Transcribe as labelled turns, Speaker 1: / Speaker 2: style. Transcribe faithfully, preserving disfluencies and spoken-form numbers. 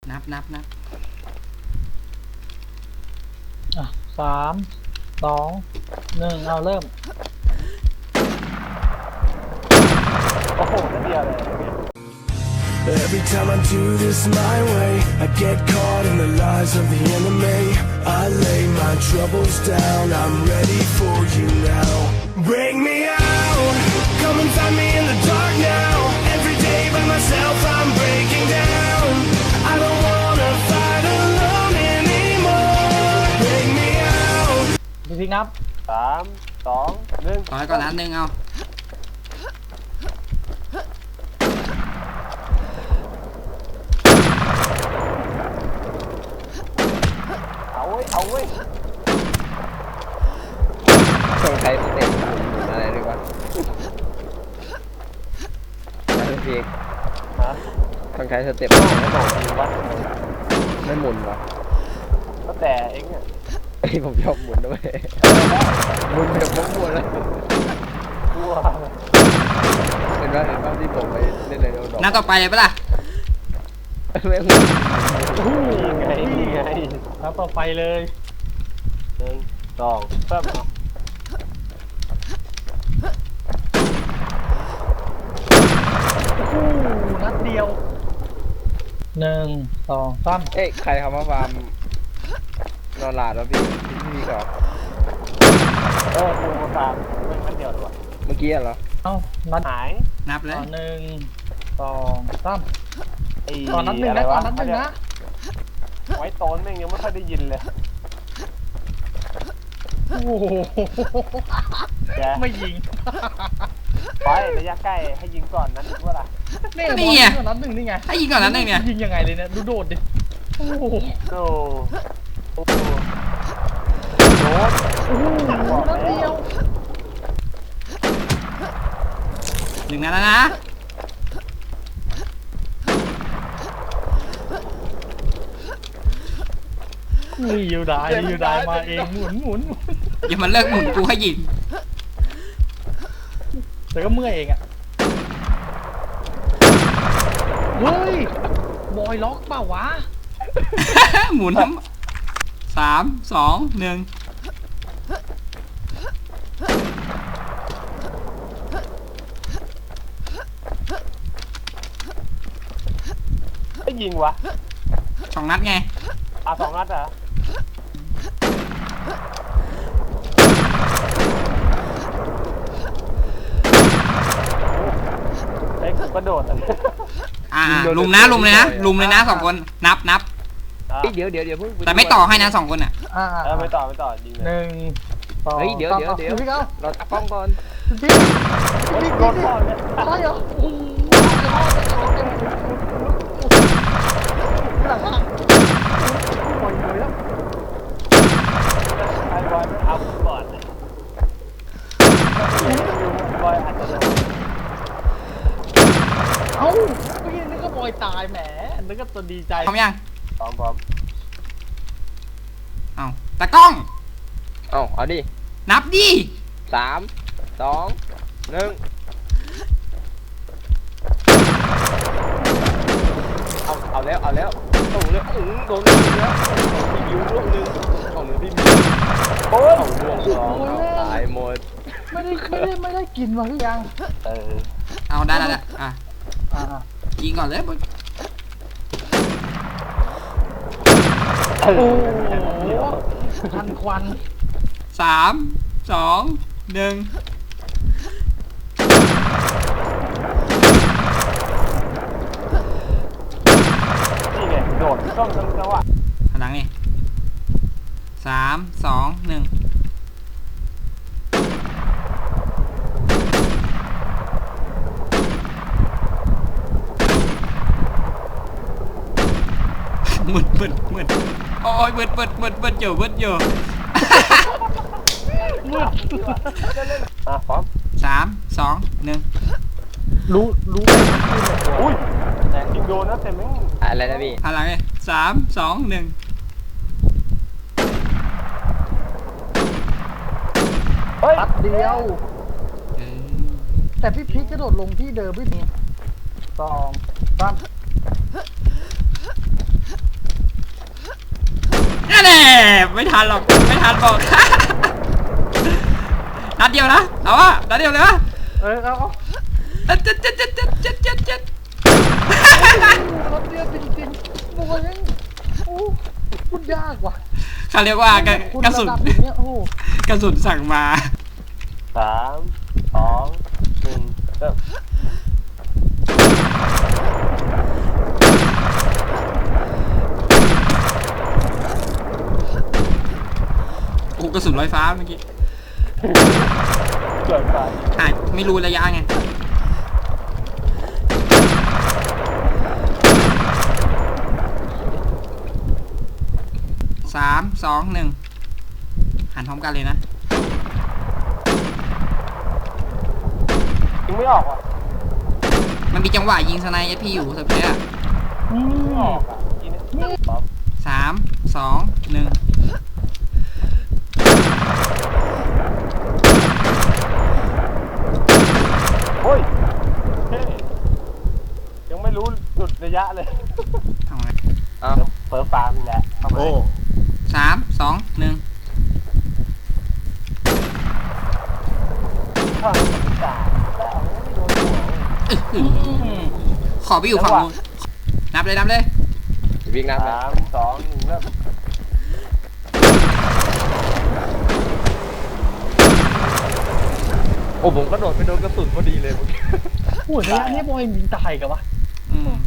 Speaker 1: นับนับนับ
Speaker 2: อ่ะสามสองหนึ่งเอาเริ่ม
Speaker 3: โอ้โหนั่นเดียวเลย
Speaker 4: Every time I do this my way, I get caught in the lies of the enemy. I lay my troubles down, I'm ready for you now. Bring me out, come and find me in the dark now. Every day by myself I'm breaking down. I don't wanna fight alone anymore. Bring me out.
Speaker 2: พี่พิกนับ
Speaker 3: สามสองหนึ่ง
Speaker 1: ต่อให้ก่อนนัดหนึ่งเอา
Speaker 3: เอาเว้ยเอาเว้ย
Speaker 5: ต้องใช้สเต็ปหมุนอะไรด้วยวะอะไรพี่เอก
Speaker 3: ฮะ
Speaker 5: ต้องใช้สเต็ป
Speaker 3: ไม่บอกจริงวะ
Speaker 5: ไม่หมุนวะ
Speaker 3: ก็แต่เองเนี่ย
Speaker 5: ไอ้ผมชอบหมุนด้วยหมุนแบบมั่วๆเลย
Speaker 3: กลัว
Speaker 5: เห็นว่าเห็นว่าที่ผมไปเล่นในโดน
Speaker 1: นัดต่อไปเลยปะล่ะ
Speaker 5: ไม่หมุน
Speaker 3: นี่ไงนี่ไง
Speaker 2: นับต่อไปเลย
Speaker 3: หนึ่งสองสาม
Speaker 2: โอ้โหนัดเดียวหนึ่งสองสาม
Speaker 5: เอ๊ะใครเขามาฟาร์มนอนหลาดแล้วพี่พี่พี่ก่อน
Speaker 3: เออปูมาฟาร์มไม่มันเดียวเลยวะ
Speaker 5: เมื่อกี้เหรอ
Speaker 2: เอ้านัด
Speaker 3: หาย
Speaker 1: นับเลย
Speaker 2: หนึ่งสองสาม
Speaker 3: ไอ้
Speaker 2: ตอนนัดหนึ่งนะตอนนัดหนึ่งนะ
Speaker 3: ไว้โต้นแม่งยังไม่ค่อยได้ยินเลย
Speaker 2: โอ้โหไม่ยิง
Speaker 3: ไประยะใกล้ให้ยิงก่อนนั้นว่าล่ะ
Speaker 1: นี่ไง
Speaker 2: นัดหนึ่งนี่ไง
Speaker 1: ให้ยิงก่อนนัดหนึ่งเนี่ย
Speaker 2: ยิงยังไงเลยเนี่ยดูโดดดิโอ้โห
Speaker 3: โอ้โหโดด
Speaker 2: โอ้โหนัดเดียว
Speaker 1: หนึ่งนัดแล้วนะ
Speaker 2: นี่ยูได้ยูได้มาเองหมุนหมุน
Speaker 1: อย่ามันเลิกหมุนกูให้ยิง
Speaker 2: แต่ก็เมื่อยเองอ่ะเฮ้ยบอยล็อกเปล่าวะ
Speaker 1: หมุนทั้งสามสองหนึ่ง
Speaker 3: ไม่ยิงวะ
Speaker 1: สองนัดไง
Speaker 3: อ่ะสองนัดเหรอเอ็กซ์กระโดด
Speaker 1: อ่าลุมนะลุมเลยนะลุมเลยนะสองคนนับนับ
Speaker 5: เดี๋ยวเดี๋ยวเดี๋ยวเพิ่ง
Speaker 1: แต่ไม่ต่อให้นะสองคนอ่ะ
Speaker 3: เออไม่ต่อไม่ต่อยิงเลย
Speaker 2: หนึ่งสอง
Speaker 5: เฮ้ยเดี๋ยวเดี๋ยวเดี๋ยวเราตัดกล้องก่อน
Speaker 2: พี่พี่รถพ่อเนี่ยอะไรเหรอโอ้โหหลังอ่ะปล่อยเลยแล้ว
Speaker 3: ไอ้บอยไม่เอาก่อนบอยอาจจะ
Speaker 2: เอ้าเมื่อกี้นึกว่าบอยตายแหมนึกว่าตัวดีใจ
Speaker 1: พร้อมยัง
Speaker 3: พร้อมพร้อม
Speaker 1: เอาตะกล้อง
Speaker 5: เอาเอาดิ
Speaker 1: นับดิ
Speaker 5: สามสองหนึ่งเอาเอาแล้วเอาแล้วโอ้โหเลยโดนแล้วพี่บิวลูกนึงของหนึ่งพี่บิว
Speaker 3: โอ้ย
Speaker 5: ลูกสองตายหมด
Speaker 2: ไม่ได้ไม่ได้ไม่ได้กินมาหรือยัง
Speaker 3: เออ
Speaker 1: เอาได้แล้วอ่ะ
Speaker 2: อ่า
Speaker 1: ยิงก่อนเลย
Speaker 2: โอ้โหทันควัน
Speaker 1: สามสองหนึ่ง
Speaker 3: นี่ไงโดดต้องต้องจังหวะ
Speaker 1: หลังนี่สามสองหนึ่งมึดมึดมึดโอ้ยมึดมึดมึดมึดอยู่มึดอยู่
Speaker 2: มืด
Speaker 3: อ่ะพร้อม
Speaker 1: สามสองหนึ่ง
Speaker 2: รู้รู้
Speaker 3: อุ้ยแต่ยิงโดนนะแต่ไม่
Speaker 5: อะไรนะพี่
Speaker 1: อะไรสามสองหนึ่ง
Speaker 2: ตัดเดียวแต่พี่พีกกระโดดลงที่เดิมพี่มีสองสาม
Speaker 1: ไม่ทันหรอกไม่ทันบอก นัดเดียวนะเอาวะนัดเดียวเลยวะ
Speaker 3: เออเอาเอา
Speaker 1: เจ็ดเจ็ดเจ็ดเจ็ดเจ็ดเจ็ดเจ็ดเจ็ด
Speaker 2: นัดเดียวจริงๆโอ้ยโอ้พูดยากว่ะ
Speaker 1: เขาเรียกว่ากระ
Speaker 2: คุณ
Speaker 1: กระสุน
Speaker 2: ดับอย่างเนี้ยโอ้
Speaker 1: กระสุนสั่งมา
Speaker 3: สามสองหนึ่งเริ่ม
Speaker 1: โอ้กระสุนลอยฟ้าเมื่อกี้
Speaker 3: เกิดไป
Speaker 1: อ่าไม่รู้ระยะไงสามสองหนึ่งหันพร้อมกันเลยนะ
Speaker 3: ยิงไม่ออกอ่ะ
Speaker 1: มันมีจังหวะยิงสไนเอพีอยู่สักเพอ่ะ
Speaker 2: อื
Speaker 3: ไม่อ
Speaker 2: ม
Speaker 3: อกอ่ะยิงไม่ออก
Speaker 1: สามสองหนึ่ง
Speaker 3: โอ้ยเฮ้ยยังไม่รู้จุดระยะเลย
Speaker 1: เอาไง
Speaker 5: อ้าว
Speaker 3: เปิดฟาร์มนี่แหละเข้ามา
Speaker 5: โอ้
Speaker 1: สามสองหนึ่ง
Speaker 3: เข้ามาจ่าแล้วไม่โดนหัว
Speaker 1: อื้อหือขอไปอยู่ฝั่งนู้นนับเลยนับเลย
Speaker 5: วิ่งนับเลย
Speaker 3: สามสองหนึ่งเริ่ม
Speaker 5: โอ้ผมกระโดดไปโดนกระสุนพอดีเลยเมื่อกี้
Speaker 2: โอ้ยระยะนี้บอยยิงตายกันวะ
Speaker 1: อืม